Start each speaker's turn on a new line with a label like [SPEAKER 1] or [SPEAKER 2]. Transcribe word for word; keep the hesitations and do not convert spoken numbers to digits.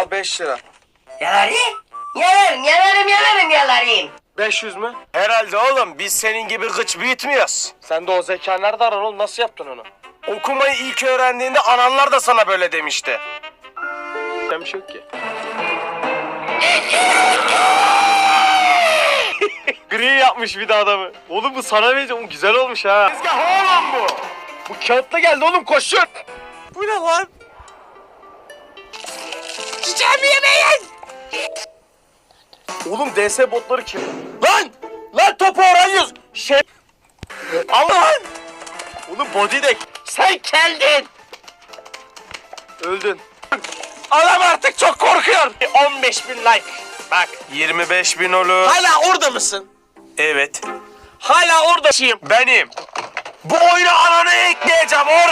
[SPEAKER 1] Al beş lira.
[SPEAKER 2] Yalarım. Yalarım, yalarım, yalarım, yalarım.
[SPEAKER 1] beş yüz mü?
[SPEAKER 3] Herhalde oğlum biz senin gibi gıç büyütmüyoruz.
[SPEAKER 1] Sen de o zeka nerede arar oğlum? Nasıl yaptın onu?
[SPEAKER 3] Okumayı ilk öğrendiğinde ananlar da sana böyle demişti.
[SPEAKER 1] Ben bir şey yok ki. Gri yapmış bir de adamı. Oğlum bu sana vereceğim. Güzel olmuş ha.
[SPEAKER 3] Tezgah oğlum bu.
[SPEAKER 1] Bu kağıtla geldi oğlum, koşun.
[SPEAKER 3] Bu ne lan?
[SPEAKER 2] Çiçeğimi yemeyin.
[SPEAKER 1] Oğlum D S botları kim?
[SPEAKER 3] Lan! Lan topu orayız. Şey... Aman!
[SPEAKER 1] Oğlum body deck.
[SPEAKER 3] Sen geldin.
[SPEAKER 1] Öldün.
[SPEAKER 3] Adam artık çok korkuyor. on beş bin like. Bak. yirmi beş bin olur.
[SPEAKER 2] Hala orada mısın?
[SPEAKER 3] Evet. Hala oradayım. Benim. Bu oyunu anana ekleyeceğim oğlum.